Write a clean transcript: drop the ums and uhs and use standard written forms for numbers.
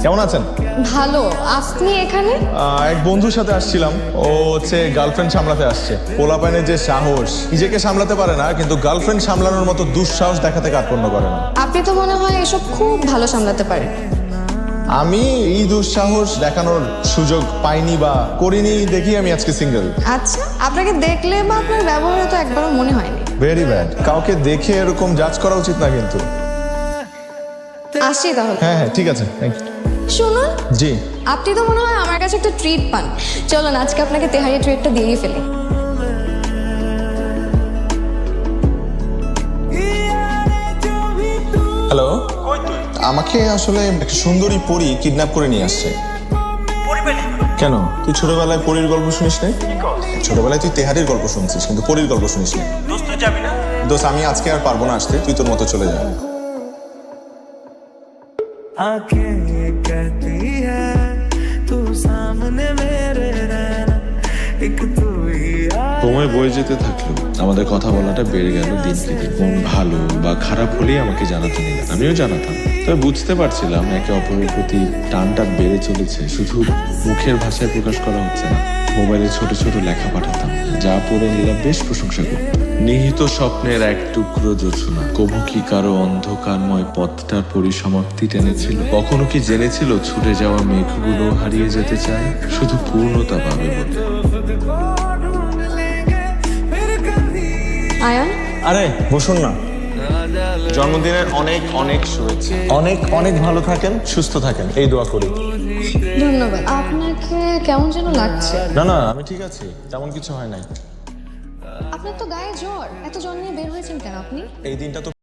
কেমন আছেন? ভালো। আপনি এখানে? এক বন্ধুর সাথে আসছিলাম। ও হচ্ছে গার্লফ্রেন্ড সামলাতে আসছে। পোলাপানের যে সাহস, নিজেকে সামলাতে পারে না, কিন্তু গার্লফ্রেন্ড সামলানোর মতো দুঃসাহস দেখাতে কার্পণ্য করে না। আপনি তো মনে হয় এসব খুব ভালো সামলাতে পারেন। আমি এই দুঃসাহস দেখানোর সুযোগ পাইনি বা করিনি, দেখি আমি আজকে সিঙ্গেল। আচ্ছা, আপনাকে দেখলে বা আপনার ব্যবহারে তো একবারও মনে হয়নি। Very bad. কাউকে দেখে এরকম জাজ করা উচিত না কিন্তু। আসি তাহলে। হ্যাঁ হ্যাঁ, ঠিক আছে, থ্যাংক ইউ। শুনুন, জি। আপনি তো মনে হয় আমার কাছে একটা ট্রিট পান। চলুন আজকে আপনাকে তেহারি ট্রিটটা দিয়েই ফেলি। হ্যালো, আমাকে আসলে একটা সুন্দরী পরী কিডন্যাপ করে নিয়ে আসছে। কেন, তুই ছোটবেলায় পরীর গল্প শুনিস না? ছোটবেলায় তুই তেহারির গল্প শুনছিস, কিন্তু পরীর গল্প শুনিস না। দোস্ত, আমি আজকে আর পারবো না আসতে, তুই তোর মতো চলে যা। आँखें कहती है तू सामने मेरे रहना एक तू ही সময় বয়ে যেতে থাকলো, আমাদের কথা বলাটা বেড়ে গেল দিনকে দিন। মন ভালো বা খারাপ হলেই আমাকে জানাতে নিলেন, আমিও জানাতাম। তবে বুঝতে পারছিলাম একে অপরের প্রতি টানটা বেড়ে চলেছে, শুধু মুখের ভাষায় প্রকাশ করা হচ্ছে না। মোবাইলে ছোট ছোট লেখা পাঠাতাম, যা পড়ে নিলাম বেশ প্রশংসা করত। নিহিত স্বপ্নের এক টুকরো জোছনা, কবু কি কারো অন্ধকারময় পথটার পরিসমাপ্তি টেনেছিল? কখনো কি জেনেছিল ছুটে যাওয়া মেঘগুলো হারিয়ে যেতে চায় শুধু পূর্ণতা পাবে বলে? আয়ান, আরে বসুন না। জন্মদিনের অনেক অনেক শুভেচ্ছা। অনেক অনেক ভালো থাকেন, সুস্থ থাকেন, এই দোয়া করি। ধন্যবাদ। আপনাকে কেমন যেন লাগছে। না না, আমি ঠিক আছি, তেমন কিছু হয় নাই। আপনার তো গায়ে জ্বর। এত জ্বর নিয়ে বের হয়েছেন কেন আপনি? এই দিনটা তো